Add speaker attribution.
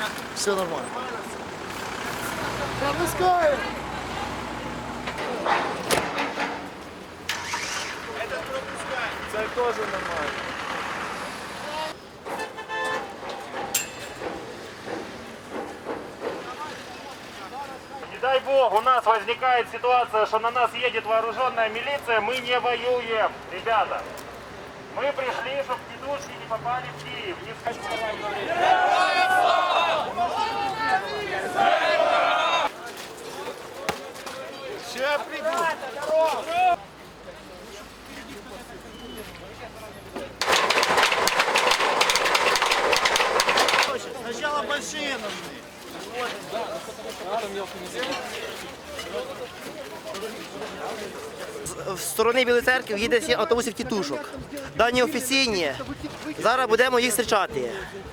Speaker 1: Все нормально. Пропускаем!
Speaker 2: Этот пропускает.
Speaker 1: Це теж нормально.
Speaker 3: Не дай бог, у нас возникает ситуация, что на нас едет вооруженная милиция, мы не воюем, ребята. Мы пришли, чтобы тетушки не попали в Киев. Не
Speaker 1: Сейчас приду. Сначала большие нужны.
Speaker 4: З сторони Білої церкви їде 7 автобусів тітушок. Дані офіційні. Зараз будемо їх зустрічати.